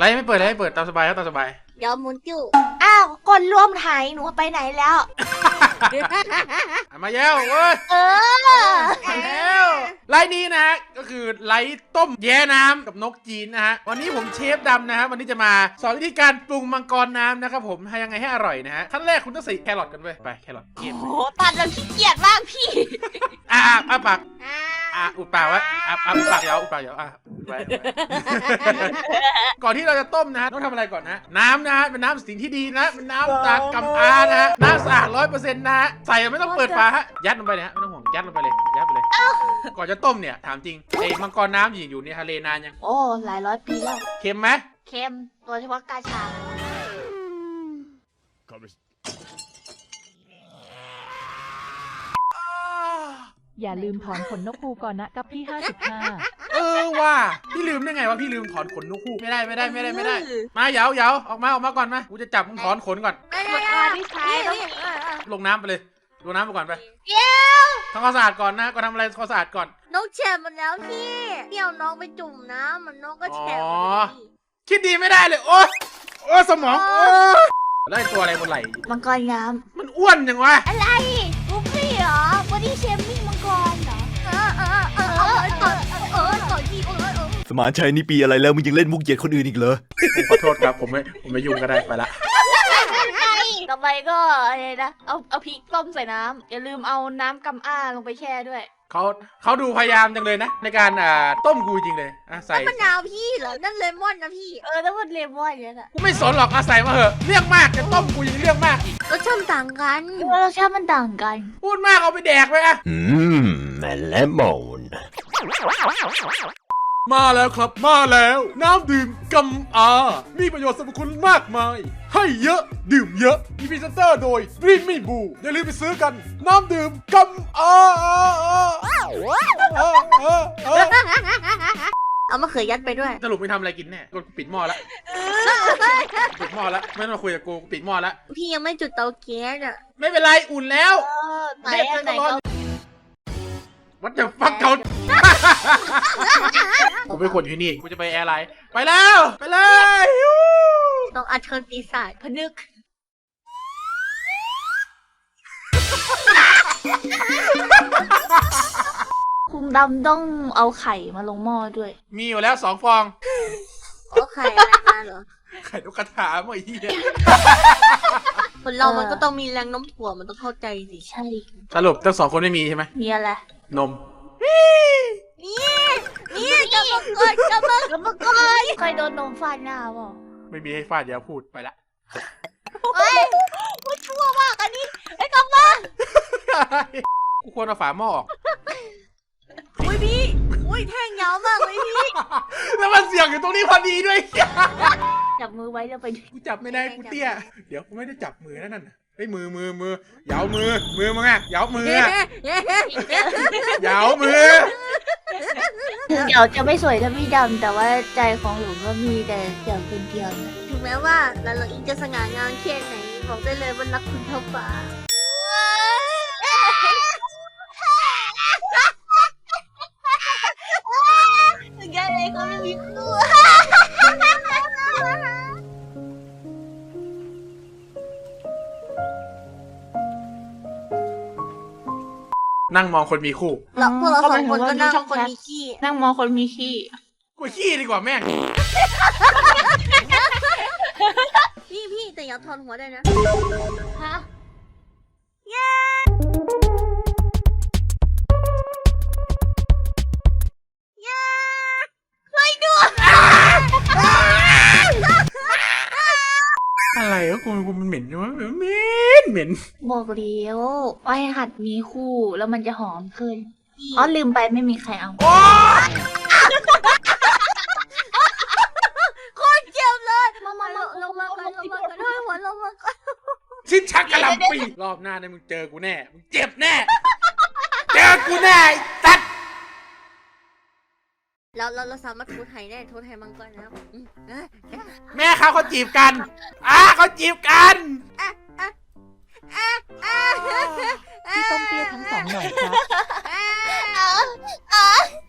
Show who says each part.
Speaker 1: ฟ์ไม่เปิดเลยไม่เปิดตามสบายครับตามสบาย
Speaker 2: เดี๋ยวมุนจิ้ว
Speaker 3: อ้าวคนร่วมไทยหนูไปไหนแล้ว
Speaker 1: มาแล้วเว้ยมาแล้วไลฟ์นี้นะฮะก็คือไลฟ์ต้มแย่น้ำกับนกจีนนะฮะวันนี้ผมเชฟดำนะฮะวันนี้จะมาสอนวิธีการปรุงมังกรน้ำนะครับผมให้ยังไงให้อร่อยนะฮะขั้นแรกคุณต้องใส่แครอทกันเว้ยไปแครอทเกี๊ยว
Speaker 3: โอ้ตัดแล้วขี้เกียจมากพี่
Speaker 1: ปากอุดปากไว้อุดปากยาวอุดปากยาวไว้ก่อนที่เราจะต้มนะฮะต้องทำอะไรก่อนนะน้ำนะฮะเป็นน้ำสิ่งที่ดีนะเป็นน้ำจากกำอานะฮะน้ำสะอาด100%นะฮะใส่ไม่ต้องเปิดฝาฮะยัดลงไปเลยฮะไม่ต้องห่วงยัดลงไปเลยยัดไปเลยก่อนจะต้มเนี่ยถามจริงไอ้มังกรน้ำอยู่ในทะเลนานยัง
Speaker 3: โอ้หลายร้อยปีแล้ว
Speaker 1: เค็มไหม
Speaker 3: เค็มโดยเฉพาะกาชา
Speaker 4: อย่าลืมถอนขนนกฮูกก่อนนะกับพี่55
Speaker 1: ว่าพี่ลืมได้ไงว่าพี่ลืมถอนขนนกฮูกไม่ได้มาเหยาออกมาก่อนมากูจะจับมึงถอนขนก่อนลงน้ำไปเลยลงน้ำไปก่อนไปทำความสะอาดก่อนนะก็ทำอะไรความสะอาดก่อน
Speaker 2: น้องแฉะหมดแล้วพี่เดี๋ยวน้องไปจุ่มน้ำมันน้องก็แฉะหมด
Speaker 1: คิดดีไม่ได้เลยโอ้สมองแล้วตัวอะไรบนไหล่
Speaker 3: มังกรน้
Speaker 1: มันอ้วนยังวะ
Speaker 3: ำอะไรบุฟฟี่เหรอบอดี้เชมมิ่งมังกรเหรอต่อที่
Speaker 5: สมานชัยนี่ปีอะไรแล้วมึงยังเล่นมุกเหยียดคนอื่นอีกเหรอ
Speaker 1: ขอโทษครับผมไม่ยุ่งก็ได้ไปละ
Speaker 3: ต่อไปก็อะไรนะเอาพริกต้มใส่น้ำอย่าลืมเอาน้ำกำอ้าลงไปแช่ด้วย
Speaker 1: เขาดูพยายามจังเลยนะในการต้มกูจริงเลยใส่
Speaker 2: มะนาวพี่เหรอนั่นเลมอนนะพี่
Speaker 3: ถ้ามันเลมอนอย่างนั้นอ่ะ
Speaker 1: กูไม่สนหรอกใส่มาเหอะเรื่องมากจะต้มกูยังเรื่องมากอีก
Speaker 2: รสชาติต่างกัน
Speaker 3: รสชาติมันต่างกัน
Speaker 1: พูดมากเอาไปแดกไป
Speaker 5: เลมอน
Speaker 1: มาแล้วครับมาแล้วน้ำดื่มกำอามีประโยชน์สรรพคุณมากมายให้เยอะดื่มเยอะมีพรีเซนเตอร์โดยดรีมมี่บูอย่าลืมไปซื้อกันน้ำดื่มกำอา
Speaker 2: เอามะเขือยัดไปด้วย
Speaker 1: สรุปไม่ทำอะไรกินแน่กูปิดหม้อแล้วปิดหม้อแล้วไม่ต้องมาคุยกับกูปิดหม้อแล้ว
Speaker 2: พี่ยังไม่จุดเตาแก๊ส
Speaker 1: ไม่เป็นไรอุ่นแล้ว
Speaker 3: ไหน
Speaker 1: วัดจะฟักเขาผมเป็นคนที่นี่กูจะไปแอร์ไลน์ไปแล้วไปเลย
Speaker 2: ต้องอัดเชิญปีศาจ
Speaker 3: พนึกคุณดำต้องเอาไข่มาลงหม้อด้วย
Speaker 1: มีอยู่แล้ว2 ฟอง
Speaker 2: ไข่อะไรมาเหรอ
Speaker 1: ไข่นกกระทาเมื่อกี้
Speaker 2: คนเรามันก็ต้องมีแรงโน้มถ่วงมันต้องเข้าใจสิ
Speaker 3: ใช่
Speaker 1: สรุปทั้ง2 คนไม่มีใช่ไหม
Speaker 3: มีอะไร
Speaker 1: นม
Speaker 2: นี่กำลังก่อน
Speaker 3: เคยโดนนมฟาดหน้าเปล่า
Speaker 1: ไม่มีให้ฟาดอย่าพูดไปละ
Speaker 3: มันชั่วมากอันนี้ไอ้กำลัง
Speaker 1: กูควรเอาฝาหม้อออก
Speaker 2: พี่แท่งยาวมากเลยพี่
Speaker 1: แล้วมันเสียงอยู่ตรงนี้พอดีด้วย
Speaker 3: จับมือไว้แล้วไป
Speaker 1: กูจับไม่ได้กูเตี้ยเดี๋ยวกูไม่ได้จับมือนั่นไอ้มือเหยามือมึงอ่ะเหยามือเหยามือ
Speaker 3: ถึงเดี๋ยวจะไม่สวยถ้าพี่ดำแต่ว่าใจของหนูก็มีแต่เดี๋ยวเป็นเดียว
Speaker 2: ถึงแม้ว่าเราอิงจะสง่างามแค่ไหนบอกได้เลยว่ารักคุณเท่าฟ้าแกเลยเขาไม่มีคู่
Speaker 1: นั่งมองคนมีคู่
Speaker 2: เราพวกเรา2 คนก็นั่งคนมีขี้
Speaker 3: นั่งมองคนมีขี้
Speaker 1: กูขี้ดีกว่าแม่ง
Speaker 2: พี่แต่อย่าถอนหัวได้นะ
Speaker 3: ฮะ
Speaker 1: อะไรก็กูมันเหม็นใช่ไหมเหม็น
Speaker 3: บอกเลี้ยวไว้หัดมีคู่แล้วมันจะหอมขึ้นลืมไปไม่มีใครเอา
Speaker 2: โคตรเจ็บเลยมาลงมาก่อนด้วยหัวลงมาก่อน
Speaker 1: ชิ้นชักกะหล่ำปีรอบหน้าเนี่ยมึงเจอกูแน่มึงเจ็บแน่เจอกูแน่ตัด
Speaker 2: เราสามารถโทษไทยได้โทษไทยมังกรแล้ว
Speaker 1: แม่เขาจีบกันเขาจีบกัน
Speaker 4: พี่ต้มเตี้ยทั้ง2หน่อยครับ